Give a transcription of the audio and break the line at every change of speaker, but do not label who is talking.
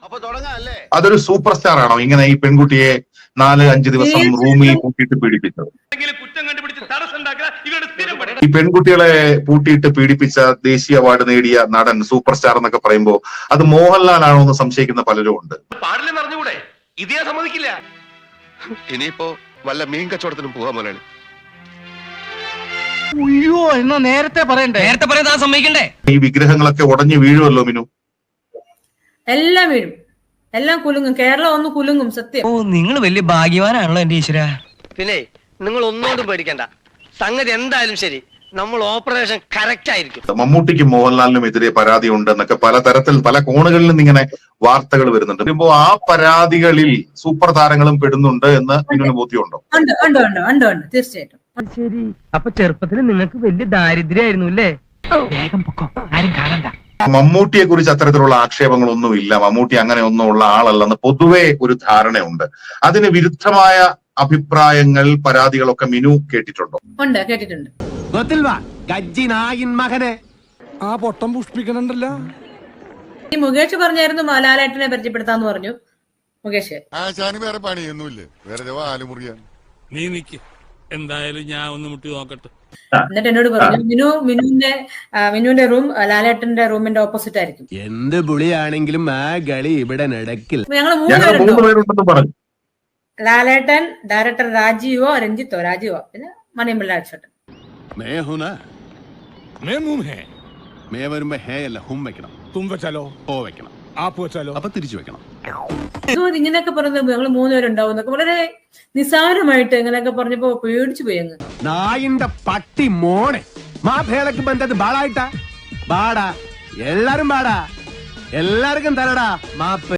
അതൊരു super star ആണോ ഇങ്ങനെ ഈ പെൺകുട്ടിയെ 4-5 ദിവസം റൂമിൽ പൂട്ടിയിട്ട് പീഡിപ്പിച്ചത്? ഈ പെൺകുട്ടികളെ പൂട്ടിയിട്ട് പീഡിപ്പിച്ച ദേശീയ അവാർഡ് നേടിയ നടൻ സൂപ്പർ സ്റ്റാർ എന്നൊക്കെ പറയുമ്പോ അത് മോഹൻലാൽ ആണോ എന്ന് സംശയിക്കുന്ന പലരും ഉണ്ട്.
ഇതേ സമ്മതിക്കില്ല. ഇനിയിപ്പോ വല്ല മീൻ കച്ചവടത്തിനും പോകാൻ മുതലാളി.
അയ്യോ എന്നാ നേരത്തെ പറയണ്ടേ? നേരത്തെ പറയാൻ സമ്മതിക്കണ്ടേ?
ഈ വിഗ്രഹങ്ങളൊക്കെ ഉടഞ്ഞു വീഴുമല്ലോ മിനു.
എല്ലാം വീഴും, എല്ലാം കുലുങ്ങും. കേരളം ഒന്ന് കുലുങ്ങും, സത്യം.
ഓ നിങ്ങൾ വലിയ ഭാഗ്യവാനാണല്ലോ എന്റെ ഈശ്വര.
പിന്നെ നിങ്ങൾ ഒന്നുകൊണ്ടും പേടിക്കണ്ട, സംഗതി എന്തായാലും ശരി, നമ്മൾ ഓപ്പറേഷൻ കറക്റ്റ് ആയിരിക്കും.
മമ്മൂട്ടിക്കും മോഹൻലാലിനും എതിരെ പരാതി ഉണ്ട് എന്നൊക്കെ പലതരത്തിൽ പല കോണുകളിൽ നിന്ന് ഇങ്ങനെ വാർത്തകൾ വരുന്നുണ്ട്. വരുമ്പോ ആ പരാതികളിൽ സൂപ്പർ താരങ്ങളും പെടുന്നുണ്ട് എന്ന് മിനുവിന് ബോധ്യമുണ്ടോ?
തീർച്ചയായിട്ടും.
ശരി, അപ്പൊ ചെറുപ്പത്തിൽ നിങ്ങൾക്ക് വലിയ ദാരിദ്ര്യമായിരുന്നു അല്ലേ? വേഗം പൊക്കോ, ആരും കാണണ്ട.
മമ്മൂട്ടിയെ കുറിച്ച് അത്തരത്തിലുള്ള ആക്ഷേപങ്ങളൊന്നും ഇല്ല, മമ്മൂട്ടി അങ്ങനെ ഒന്നും ഉള്ള ആളല്ലെന്ന് പൊതുവെ ഒരു ധാരണയുണ്ട്. അതിന് വിരുദ്ധമായ അഭിപ്രായങ്ങൾ, പരാതികളൊക്കെ മിനു കേട്ടിട്ടുണ്ടോ?
ഉണ്ട്, കേട്ടിട്ടുണ്ട്.
ആ പൊട്ടം പുഷ്പിക്കണുണ്ടല്ലോ.
ഈ മുകേഷ് പറഞ്ഞായിരുന്നു ലാലേട്ടനെ പരിചയപ്പെടുത്താന്ന് പറഞ്ഞു. മുകേഷ്
വേറെ പണിയൊന്നുമില്ലേ, വേറെ ആലുമുറിയാണ്.
നീ നിക്ക്, എന്തായാലും ഞാൻ ഒന്ന് മുട്ടി നോക്കട്ടെ.
എന്നിട്ട് എന്നോട് പറഞ്ഞു മിനുവിന്റെ റൂം ലാലേട്ടന്റെ റൂമിന്റെ ഓപ്പോസിറ്റ് ആയിരിക്കും.
എന്ത് പുളിയാണെങ്കിലും ആ കളി ഇവിടെ നടക്കില്ല.
ഞങ്ങൾ 3 പേരുണ്ടെന്ന് പറഞ്ഞു. ലാലേട്ടൻ, ഡയറക്ടർ രാജീവോ പിന്നെ മണിയമ്പിള്ള അച്ഛൻ. ഇങ്ങനെയൊക്കെ പറഞ്ഞത് ഞങ്ങൾ 3 പേരുണ്ടാവും എന്നൊക്കെ വളരെ നിസ്സാരമായിട്ട് ഇങ്ങനെയൊക്കെ പറഞ്ഞപ്പോ പേടിച്ചു പോയി. അങ്ങ്
നായിന്റെ പട്ടി മോണെ മാഭേളക്ക് ബന്ധത് ബാളായിട്ടാ ബാടാ എല്ലാരും ബാടാ എല്ലാവർക്കും തരടാ മാപ്പ്.